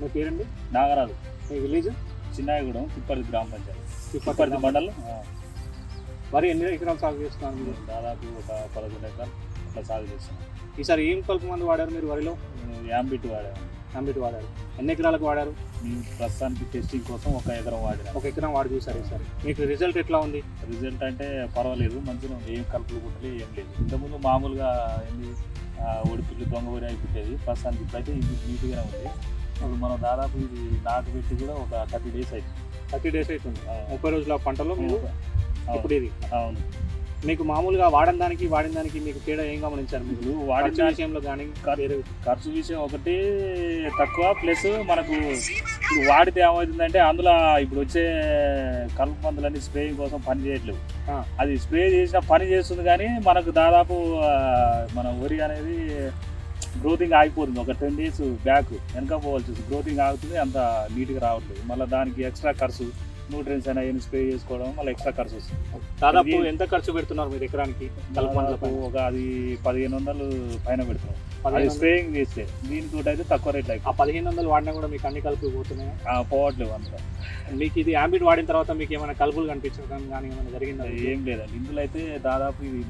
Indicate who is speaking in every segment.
Speaker 1: పేరండి?
Speaker 2: నాగరాజు.
Speaker 1: మీ విలేజ్?
Speaker 2: చిన్నాయగూడెం, తిప్పర్తి గ్రామ పంచాయతీ,
Speaker 1: తిప్పర్తి
Speaker 2: మండలం.
Speaker 1: మరి ఎన్ని ఎకరాలు సాగు చేస్తున్నారు మీరు?
Speaker 2: దాదాపు ఒక 11 ఎకరాలు అట్లా సాగు చేస్తున్నాం.
Speaker 1: ఈసారి ఏం కలుపు మందు వాడారు మీరు వరిలో?
Speaker 2: యాంబిట్ వాడాము.
Speaker 1: యాంబిట్ వాడారు. ఎన్ని ఎకరాలకు వాడారు?
Speaker 2: మేము ప్రస్తుతానికి టెస్టింగ్ కోసం 1 ఎకరం వాడినాం.
Speaker 1: 1 ఎకరం వాడి చూసారు ఈసారి. మీకు రిజల్ట్ ఎట్లా ఉంది?
Speaker 2: రిజల్ట్ అంటే పర్వాలేదు, మంచిగా ఉంది. ఏం కలుపులు కుట్టలే ఏం లేదు. ఇంతకుముందు మామూలుగా ఏంది ఒడిపిల్లి దొంగ వరి అయిపోయేది. ప్రస్తుతానికి ఇప్పుడైతే ఇది నీట్గానే ఉంది. ఇప్పుడు మనం దాదాపు ఇది నాటు పెట్టి కూడా ఒక 30 డేస్ అవుతుంది.
Speaker 1: 30 డేస్ అవుతుంది. 30 రోజుల పంటలో మీరు ఇప్పుడు ఇది.
Speaker 2: అవును.
Speaker 1: మీకు మామూలుగా వాడిన దానికి మీకు తేడా ఏం గమనించారు? మీరు వాడిన విషయంలో కానీ
Speaker 2: ఖర్చు విషయం ఒకటి తక్కువ, ప్లస్ మనకు ఇప్పుడు వాడితే ఏమవుతుందంటే అందులో ఇప్పుడు వచ్చే కలుపు మందులన్నీ స్ప్రేయింగ్ కోసం పని చేయట్లేవు. అది స్ప్రే చేసిన పని చేస్తుంది కానీ మనకు దాదాపు మన వరి అనేది గ్రోతింగ్ ఆగిపోతుంది. ఒక 10 డేస్ బ్యాక్ వెనక పోవాల్సి గ్రోతింగ్ ఆగుతుంది, అంత నీట్గా రావట్లేదు. మళ్ళీ దానికి ఎక్స్ట్రా ఖర్చు, న్యూట్రియన్స్ అయినా ఏమి స్ప్రే చేసుకోవడం మళ్ళీ ఎక్స్ట్రా ఖర్చు వస్తుంది.
Speaker 1: దాదాపు ఎంత ఖర్చు పెడుతున్నారు మీరు ఎకరానికి?
Speaker 2: ఒక అది 1500 పైన పెడుతున్నాం అది స్ప్రేయింగ్ చేస్తే. దీనితో అయితే తక్కువ రేట్లు అయిపోయి.
Speaker 1: 1500 వాడినా కూడా మీకు అన్ని కలుపులు పోతున్నాయి?
Speaker 2: పోవట్లేవు అందులో.
Speaker 1: మీకు ఇది యాంబిట్ వాడిన తర్వాత మీకు ఏమైనా కలుపులు కనిపించడం కానీ ఏమైనా జరిగిందా?
Speaker 2: ఏం లేదండి. ఇందులో అయితే దాదాపు ఇది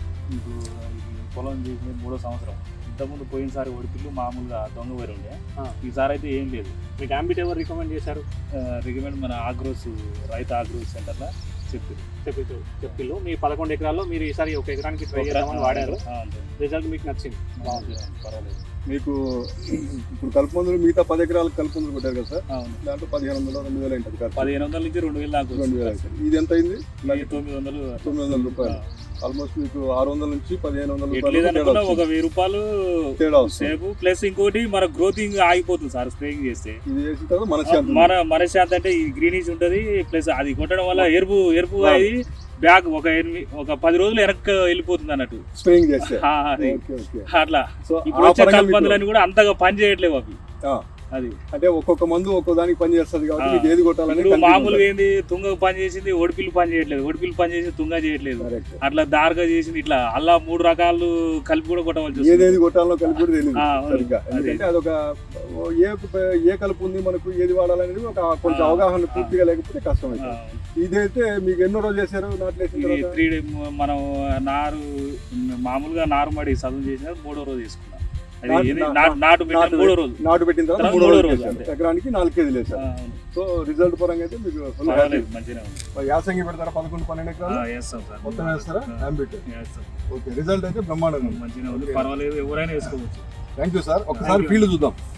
Speaker 2: పొలం చేసిన 3వ సంవత్సరం. ఇంతకుముందు పోయినసారి ఒడిపిల్లు మామూలుగా దొంగ వరి ఉండే. ఈసారి అయితే ఏం లేదు.
Speaker 1: మీకు యాంబిట్ ఎవరు రికమెండ్ చేశారు?
Speaker 2: రికమెండ్ మన ఆగ్రోస్, రైతు ఆగ్రోస్ సెంటర్లో
Speaker 1: చెప్పిల్లు. మీ 11 ఎకరాల్లో మీరు ఈసారి 1 ఎకరానికి ట్రై చేద్దామని వాడారు. రిజల్ట్ మీకు నచ్చింది?
Speaker 2: పర్వాలేదు.
Speaker 3: మీకు ఇప్పుడు కలుపు మందులు మిగతా 10 ఎకరాలకు కలుపు మందులు కొట్టారు కదా సార్? దాంట్లో 1500 2000 ఉంటుంది.
Speaker 2: 1500 నుంచి 2000 దాకా.
Speaker 3: 2000. ఇది ఎంత అయింది?
Speaker 2: 900
Speaker 3: రూపాయలు. ఆల్మోస్ట్ మీకు 600 నుంచి 1500
Speaker 2: రూపాయలు. ఒక 1000 రూపాయలు
Speaker 3: తేడా వస్తుంది.
Speaker 2: ప్లస్ ఇంకోటి మన గ్రోతింగ్ ఆగిపోతుంది సార్ స్ప్రేయింగ్ చేస్తే.
Speaker 3: ఇది చేసిన తర్వాత
Speaker 2: మనశ్శాంతి అంటే ఈ గ్రీనిష్ ఉంటుంది. ప్లస్ అది కొట్టడం వల్ల ఎరుపు అయ్యి బ్యాగ్ ఒక 10 రోజులు వెనక్కి వెళ్ళిపోతుంది అన్నట్టు
Speaker 3: స్ప్రేయింగ్ చేస్తే.
Speaker 2: అట్లా ఇప్పుడు వచ్చే కలుపు మందులన్నీ కూడా అంతగా పని చేయట్లేవు అవి. అది
Speaker 3: అంటే ఒక్కొక్క మందు ఒక్కో దానికి పని చేస్తుంది కాబట్టి మీకు ఏది కొట్టాలని.
Speaker 2: మామూలుగా ఏంది తుంగకు పని చేసింది, ఒడిపిల్లు పని చేయట్లేదు, ఒడిపిల్లు పని చేసి తుంగ చేయట్లేదు. అట్లా దారుగా చేసింది. ఇట్లా అలా 3 రకాలు కలిపి కూడా కొట్టవలసి
Speaker 3: ఏదేది కొట్టాలో కలిపి కూడా తెలియదు సరిగ్గా. ఎందుకంటే అదొక ఏ కలుపు ఉంది మనకు ఏది వాడాలనేది ఒక కొంచెం అవగాహన పూర్తిగా లేకపోతే కష్టం అవుతుంది. ఇదైతే మీకు ఎన్నో రోజులు చేశారు నాట్లేసిన తర్వాత?
Speaker 2: 3 days మనం మామూలుగా నారుమడి చదువు చేసిన 3వ రోజు చేసుకున్నాం. నాటు
Speaker 3: పెట్టిన తర్వాత 3వ రోజు ఎకరానికి 4 కేజీలు వేసారు. సో రిజల్ట్ పరంగా అయితే మీకు యాసంగి పెడతారా? 11-12 ఎకరాలు మొత్తం వేస్తారా? ఓకే, రిజల్ట్ అయితే బ్రహ్మాండంగా
Speaker 2: మంచిగా ఉంది. పర్వాలేదు, ఎవరైనా వేసుకోవచ్చు.
Speaker 3: Thank you sir. ఒకసారి ఫీల్డ్ చూద్దాం.